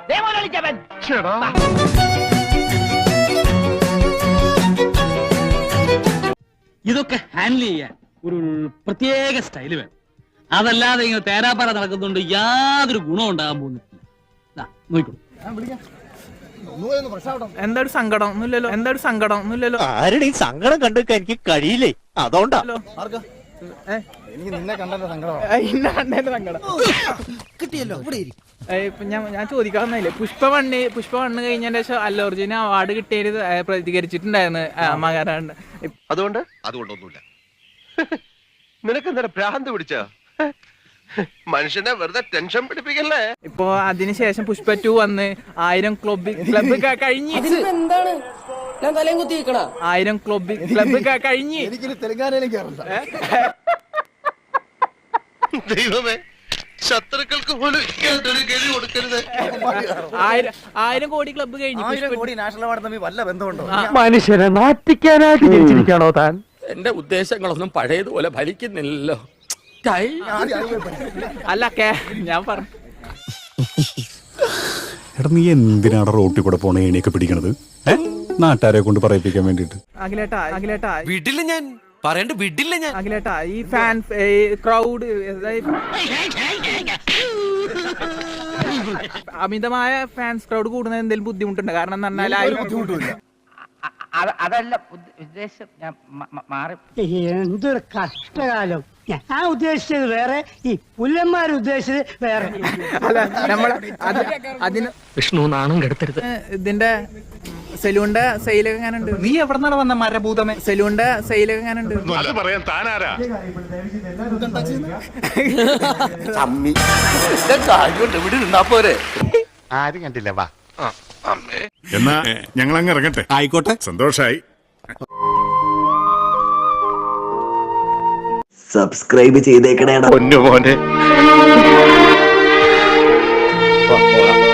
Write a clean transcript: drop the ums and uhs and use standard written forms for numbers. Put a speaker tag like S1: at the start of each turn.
S1: ഇതൊക്കെ ഹാൻഡിൽ ചെയ്യാൻ ഒരു പ്രത്യേക സ്റ്റൈല് വേണം. അതല്ലാതെ ഇങ്ങനെ തേരാപ്പാറ നടക്കുന്നുണ്ട് യാതൊരു ഗുണം ഉണ്ടാകാൻ പോകുന്നില്ല. നോക്കിക്കോളൂ.
S2: എന്തൊരു സങ്കടം ഒന്നുമില്ലല്ലോ. എന്തൊരു സങ്കടം ഒന്നുമില്ലല്ലോ.
S3: ആരുടെ ഈ സങ്കടം കണ്ടെടുക്കാൻ എനിക്ക് കഴിയില്ലേ, അതുകൊണ്ടാ.
S4: എനിക്ക് നിന്നെ കണ്ടതിന്റെ സങ്കടം
S2: കിട്ടിയല്ലോ. ഞാൻ ചോദിക്കാവുന്നില്ലേ, പുഷ്പ വണ്ണ് കഴിഞ്ഞതിന്റെ ശേഷം അല്ലു അർജുന് അവാർഡ് കിട്ടിയത് പ്രതികരിച്ചിട്ടുണ്ടായിരുന്നു മകാരാണ്ട്.
S5: അതുകൊണ്ടൊന്നുമില്ല. നിനക്കെന്താ ഭ്രാന്ത് പിടിച്ച മനുഷ്യനെ വെറുതെ ടെൻഷൻ പിടിപ്പിക്കല്ലേ.
S2: ഇപ്പൊ അതിനുശേഷം പുഷ്പ 2 വന്ന് 1000 ക്ലബ് കഴിഞ്ഞ്
S6: എന്താണ് ഞാൻ തലയും കുത്തി വെക്കണ
S2: 1000 ക്ലബ് കഴിഞ്ഞ്
S4: എനിക്ക് തെലങ്കാനയിലും കേറണ്ട.
S5: ദൈവമേ, ശത്രുക്കൾക്ക് പോലും ഒരു ഗതി കൊടുക്കരുത്.
S2: 1000 കോടി ക്ലബ്ബ് കഴിഞ്ഞു.
S4: 1000 കോടി നാഷണൽ അവാർഡ് തമ്മിൽ വല്ല ബന്ധമുണ്ടോ?
S3: മനുഷ്യനെ നാറ്റിക്കാനായിട്ട് ജനിച്ചിരിക്കണോ താൻ?
S6: എന്റെ ഉദ്ദേശങ്ങളൊന്നും പഴയതുപോലെ ഫലിക്കുന്നില്ലല്ലോ.
S2: അല്ല ഞാൻ പറഞ്ഞു.
S7: എടാ, നീ എന്തിനാണ് റോട്ടിൽ കൂടെ പോണ ഏണിയൊക്കെ പിടിക്കണത്? നാട്ടുകാരെ കൊണ്ട് പറയിപ്പിക്കാൻ വേണ്ടിട്ട്.
S2: അഖിലേട്ടാ
S6: വിടില്ല, ഞാൻ പറയണ്ട, വിടില്ല ഞാൻ.
S2: അഖിലേട്ടാ, ഈ ഫാൻ ക്രൗഡ് അമിതമായ ഫാൻസ് ക്രൗഡ് കൂടുന്നത് എന്തെങ്കിലും ബുദ്ധിമുട്ടുണ്ട്? കാരണം എന്ന് പറഞ്ഞാൽ
S4: ബുദ്ധിമുട്ടില്ല.
S8: അതല്ല ഉദ്ദേശം, ഞാൻ മാറി.
S3: എന്തൊരു കഷ്ടകാലം. ഞാൻ ഉദ്ദേശിച്ചത് വേറെ, ഈ പുല്ലന്മാർ ഉദ്ദേശിച്ചത് വേറെ.
S2: അല്ല, നമ്മള് അതിന്
S3: വിഷ്ണു നാണം കെടുത്തരുത്.
S2: ഇതിന്റെ സെലൂണിന്റെ സെയിലൊക്കെ എങ്ങാനുണ്ട്?
S4: നീ എവിടെന്നാണ് വന്ന മരഭൂതമേ?
S2: സെലൂണിന്റെ സെയിലൊക്കെ എങ്ങാനുണ്ട്?
S5: പറയാൻ താനാരാ?
S6: ഇവിടെ നിന്നാ പോരെ.
S5: ആരും കണ്ടില്ല. വാ.
S7: എന്നാ ഞങ്ങൾ അങ്ങ് ഇറങ്ങട്ടെ. ആയിക്കോട്ടെ, സന്തോഷായി.
S3: സബ്സ്ക്രൈബ് ചെയ്തേക്കണേ.
S5: പൊന്നു മോനെ.